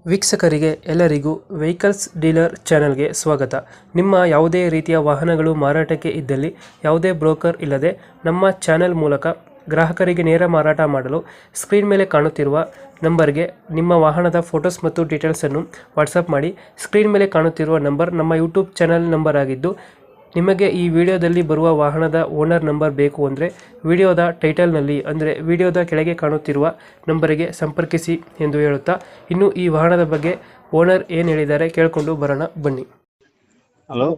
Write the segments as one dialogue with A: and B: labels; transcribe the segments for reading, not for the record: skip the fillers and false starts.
A: ವೀಕ್ಷಕರಿಗೆ ಎಲ್ಲರಿಗೂ vehicles dealer ಚಾನೆಲ್ಗೆ ಸ್ವಾಗತ. ನಿಮ್ಮ ಯಾವುದೇ ರೀತಿಯ ವಾಹನಗಳು ಮಾರಾಟಕ್ಕೆ ಇದ್ದಲ್ಲಿ ಯಾವುದೇ ಬ್ರೋಕರ್ ಇಲ್ಲದೆ ನಮ್ಮ ಚಾನೆಲ್ ಮೂಲಕ ಗ್ರಾಹಕರಿಗೆ ನೇರ ಮಾರಾಟ ಮಾಡಲು ಸ್ಕ್ರೀನ್ ಮೇಲೆ ಕಾಣುತ್ತಿರುವ ನಂಬರ್ಗೆ ನಿಮ್ಮ ವಾಹನದ ಫೋಟೋಸ್ ಮತ್ತು ಡೀಟೇಲ್ಸನ್ನು ವಾಟ್ಸಪ್ ಮಾಡಿ. ಸ್ಕ್ರೀನ್ ಮೇಲೆ ಕಾಣುತ್ತಿರುವ ನಂಬರ್ ನಮ್ಮ ಯೂಟ್ಯೂಬ್ ಚಾನೆಲ್ ನಂಬರ್ ಆಗಿದ್ದು, ನಿಮಗೆ ಈ ವಿಡಿಯೋದಲ್ಲಿ ಬರುವ ವಾಹನದ ಓನರ್ ನಂಬರ್ ಬೇಕು ಅಂದರೆ ವಿಡಿಯೋದ ಟೈಟಲ್ನಲ್ಲಿ ಅಂದರೆ ವಿಡಿಯೋದ ಕೆಳಗೆ ಕಾಣುತ್ತಿರುವ ನಂಬರಿಗೆ ಸಂಪರ್ಕಿಸಿ ಎಂದು ಹೇಳುತ್ತಾ, ಇನ್ನು ಈ ವಾಹನದ ಬಗ್ಗೆ ಓನರ್ ಏನು ಹೇಳಿದ್ದಾರೆ ಕೇಳಿಕೊಂಡು ಬರೋಣ ಬನ್ನಿ.
B: ಹಲೋ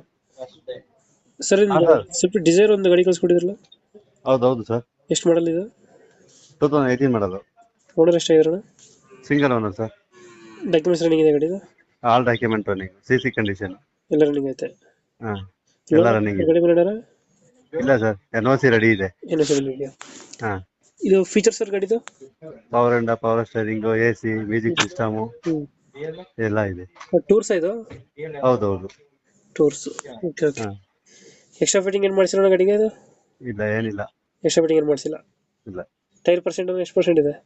A: ಸರ್,
B: ಹಾ ಸರ್.
A: ಸ್ವಲ್ಪ ಡಿಸೈರ್ ಒಂದು ಗಾಡಿ ಕಳಿಸ್ಕೊಟ್ಟಿದ್ರಲ್ಲ,
B: ಹೌದೌದು ಸರ್.
A: ಎಷ್ಟು ಮಾಡಲ್ ಇದು?
B: 2018 ಮಾಡಲು.
A: ಓನರ್ ಎಷ್ಟಾಗಿದ್ರಣ?
B: Single owner sir.
A: Documents running ಇದೆ ಗಾಡಿದು?
B: All document running, CC condition.
A: ಎಲ್ಲ ರನ್ನಿಂಗ್ ಐತೆ?
B: ಹಾ, ಎಲ್ಲ ರನ್ನಿಂಗ್ ಇದೆ.
A: ಗಾಡಿ ಮೇಲೆ
B: ಇಲ್ಲ ಸರ್, NOC ರೆಡಿ ಇದೆ.
A: ಏನು ಇದೆಯಾ?
B: ಹಾ,
A: ಇದು ಫೀಚರ್ ಸರ್ ಗಾಡಿದು?
B: Power steering, AC, music system ಎಲ್ಲ ಇದೆ.
A: ಟೂರ್ಸ್ ಇದು?
B: ಹೌದೌದು.
A: ಟೂರ್ಸ್. Okay okay.
B: ಹಾ,
A: ಎಕ್ಸ್ಟ್ರಾ ಫಿಟ್ಟಿಂಗ್ ಏನು ಮಾಡಿಸಿರೋಣ ಗಾಡಿಗೆ ಇದು?
B: ಇಲ್ಲ ಏನಿಲ್ಲ.
A: ಎಕ್ಸ್ಟ್ರಾ ಫಿಟ್ಟಿಂಗ್ ಏನು ಮಾಡಿಸಿಲ್ಲ?
B: ಇಲ್ಲ.
A: ಟೈರ್ ಪರ್ಸೆಂಟ್ ಎಷ್ಟು ಪರ್ಸೆಂಟ್ ಇದೆ?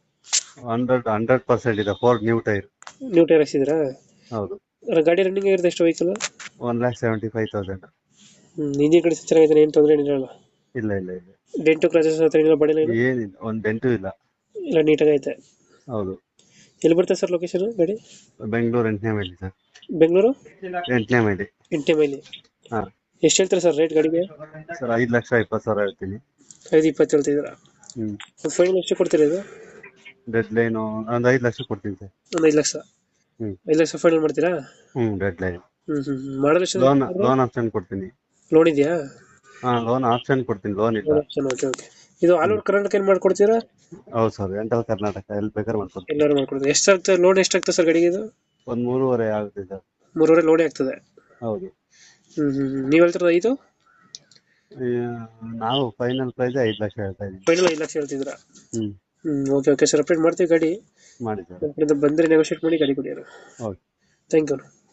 B: 100% ಇದೆ. 4 ನ್ಯೂ ಟೈರ್.
A: ನ್ಯೂ ಟೈರ್ ಹಾಕ್ಸಿದ್ರಾ?
B: ಹೌದು.
A: ಗಾಡಿ ರನ್ನಿಂಗ್ ಆಗಿರುತ್ತೆ ಎಷ್ಟು ವೆಹಿಕಲ್?
B: 1,75,000.
A: ಇಂಜಿನ್ ಕಂಡೀಷನ್ ಚೆನ್ನಾಗಿದೆ, ಏನು ತೊಂದರೆ ಏನಿರಲ್ಲ?
B: ಇಲ್ಲ ಇಲ್ಲ ಇಲ್ಲ,
A: ಡೆಂಟು ಕ್ರಾಚಸ್ ಹತ್ರ ಏನಿಲ್ಲ, ಬಡಿಲ್ಲ ಏನು?
B: ಏನಿಲ್ಲ, ಒಂದು ಡೆಂಟು ಇಲ್ಲ.
A: ಎಲ್ಲ ನೀಟಾಗಿ ಐತೆ.
B: ಹೌದು.
A: ಎಲ್ಲಿ ಬರ್ತದೆ ಸರ್ ಲೊಕೇಶನ್ ಗಾಡಿ?
B: ಬೆಂಗಳೂರು 8ನೇ ಮೈಲಿ ಸರ್.
A: ಬೆಂಗಳೂರು
B: 8ನೇ ಮೈಲಿ.
A: 8 ಮೈಲಿ.
B: ಹಾ
A: ಎಷ್ಟು ಹೇಳ್ತಾರೆ ಸರ್ ರೇಟ್ ಗಾಡಿಗೆ?
B: ಸರ್, 5,20,000 ಹೇಳ್ತೀನಿ.
A: 5,20 ಹೇಳ್ತಿದ್ದೀರಾ? ಒಂದು ಫೈನಲ್ ಎಷ್ಟು ಕೊಡ್ತೀರಾ ಇದು?
B: ಡೆಡ್ ಲೈನ್ ಒಂದು 5 ಲಕ್ಷ ಕೊಡ್ತೀನಿ ಸರ್.
A: ಒಂದು 5 ಲಕ್ಷ? 5 ಲಕ್ಷ ಫೈನಲ್ ಮಾಡ್ತೀರಾ?
B: Deadline.
A: ಮಾಡಲ್ ಎಷ್ಟು?
B: ಲೋನ್ ಆಪ್ಷನ್ ಕೊಡ್ತೀನಿ.
A: ಲೋನ್ ಇದೆಯಾ?
B: ಹಾ, ಲೋನ್ ಆಪ್ಷನ್ ಕೊಡ್ತೀನಿ, ಲೋನ್ ಇಲ್ಲ.
A: Okay okay. ಇದು ಆಲ್ ಓವರ್ ಕರ್ನಾಟಕ ಏನು ಮಾಡ್ಕೊಡ್ತೀರಾ?
B: ಹೌದು ಸರ್, ಎಂಟಲ್ ಕರ್ನಾಟಕ ಎಲ್ಲಿ ಬೇಕಾದ್ರೆ ಮಾಡ್ಕೊಡ್ತೀನಿ.
A: ಎಲ್ಲರೂ ಮಾಡ್ಕೊಡ್ತೀವಿ. ಎಷ್ಟಾಗ್ತದೆ ಲೋನ್? ಎಷ್ಟಾಗ್ತದೆ ಸರ್ ಗಾಡಿಗೆ ಇದು?
B: ಒಂದು 3.5 ಆಗುತ್ತೆ ಸರ್.
A: 3.5 ಲೋನೇ ಆಗ್ತದೆ?
B: ಹೌದು.
A: ನೀವು ಹೇಳ್ತಿರೋದು 5?
B: ನಾವು ಫೈನಲ್ ಪ್ರೈಸ್ 5 ಲಕ್ಷ ಹೇಳ್ತಾ ಇದ್ದೀವಿ.
A: ಫೈನಲ್ 5 ಲಕ್ಷ ಹೇಳ್ತಿದ್ದೀರಾ? ಓಕೆ ಓಕೆ ಸರ್, ಅಪ್ಡೇಟ್ ಮಾಡ್ತೀವಿ ಗಾಡಿ.
B: ಮಾಡಿ ಸರ್.
A: ಬಂದರೆ ನೆಗೋಷಿಯೇಟ್ ಮಾಡಿ ಗಾಡಿ ಕೊಡಿ.
B: Okay,
A: thank you.